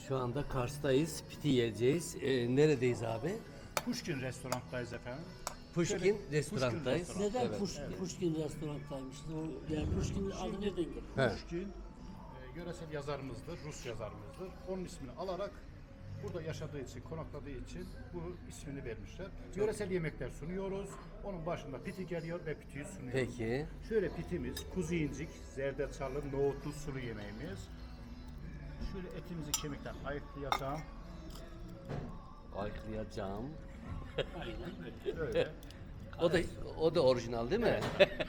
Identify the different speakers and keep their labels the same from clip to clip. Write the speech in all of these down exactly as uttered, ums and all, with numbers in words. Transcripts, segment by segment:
Speaker 1: Şu anda Kars'tayız. Piti yiyeceğiz. Ee, neredeyiz abi?
Speaker 2: Pushkin restoranttayız efendim.
Speaker 1: Pushkin
Speaker 2: Şöyle,
Speaker 1: restorandayız.
Speaker 2: Pushkin
Speaker 3: Neden
Speaker 1: Evet.
Speaker 3: Puş, Pushkin restorantaymış? O, yani Pushkin'in adı nereden geliyor?
Speaker 1: He.
Speaker 2: Pushkin e, yöresel yazarımızdır, Rus yazarımızdır. Onun ismini alarak burada yaşadığı için, konakladığı için bu ismini vermişler. Yöresel yemekler sunuyoruz. Onun başında piti geliyor ve pitiyi sunuyoruz.
Speaker 1: Peki.
Speaker 2: Şöyle pitimiz, kuzu incik, zerdeçallı, nohutlu sulu yemeğimiz. Şöyle etimizi kemikten ayıklayacağım.
Speaker 1: Ayıklayacağım.
Speaker 3: Aynen.
Speaker 2: Böyle.
Speaker 1: O da o da orijinal değil mi?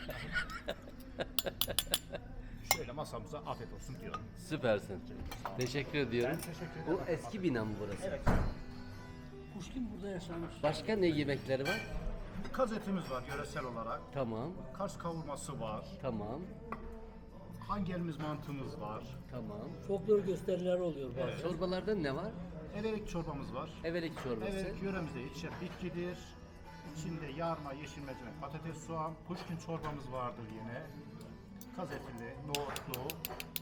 Speaker 2: Şöyle masamıza afiyet olsun diyorum.
Speaker 1: Süpersin. Teşekkür ediyorum.
Speaker 2: Ben teşekkür ederim.
Speaker 1: Bu eski bina mı burası?
Speaker 2: Evet.
Speaker 3: Pushkin burada yaşamış.
Speaker 1: Başka ne yemekleri var?
Speaker 2: Kaz etimiz var yöresel olarak.
Speaker 1: Tamam.
Speaker 2: Kars kavurması var.
Speaker 1: Tamam.
Speaker 2: Hangelimiz mantımız var.
Speaker 1: Tamam.
Speaker 3: Folklor gösteriler oluyor bazen.
Speaker 1: Çorbalarda ne var?
Speaker 2: Evelik çorbamız var.
Speaker 1: Evelik çorbası.
Speaker 2: Evelik yöremizde yetişen bitkidir. İçinde yarma, yeşil mercimek, patates, soğan, pushkin çorbamız vardır yine. Kaz etili, nohutlu.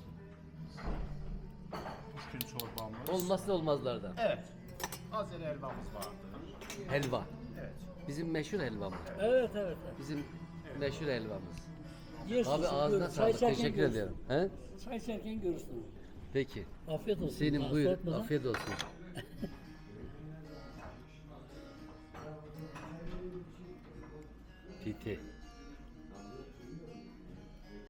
Speaker 2: Pushkin çorbamız.
Speaker 1: Olmazsa olmazlardan.
Speaker 2: Evet. Azeri helvamız vardır.
Speaker 1: Helva.
Speaker 2: Evet.
Speaker 1: Bizim meşhur helvamız.
Speaker 3: Evet evet. evet.
Speaker 1: Bizim meşhur helvamız.
Speaker 3: Yersin,
Speaker 1: Abi
Speaker 3: sen
Speaker 1: ağzına
Speaker 3: görürsün. Çay
Speaker 1: sağlık.
Speaker 3: içerken
Speaker 1: Teşekkür
Speaker 3: görürsün.
Speaker 1: ediyorum. He?
Speaker 3: Çay içerken görürsün.
Speaker 1: Peki.
Speaker 3: Afiyet olsun.
Speaker 1: Senin
Speaker 3: Daha
Speaker 1: buyur.
Speaker 3: soğutmadan.
Speaker 1: Afiyet olsun. Piti.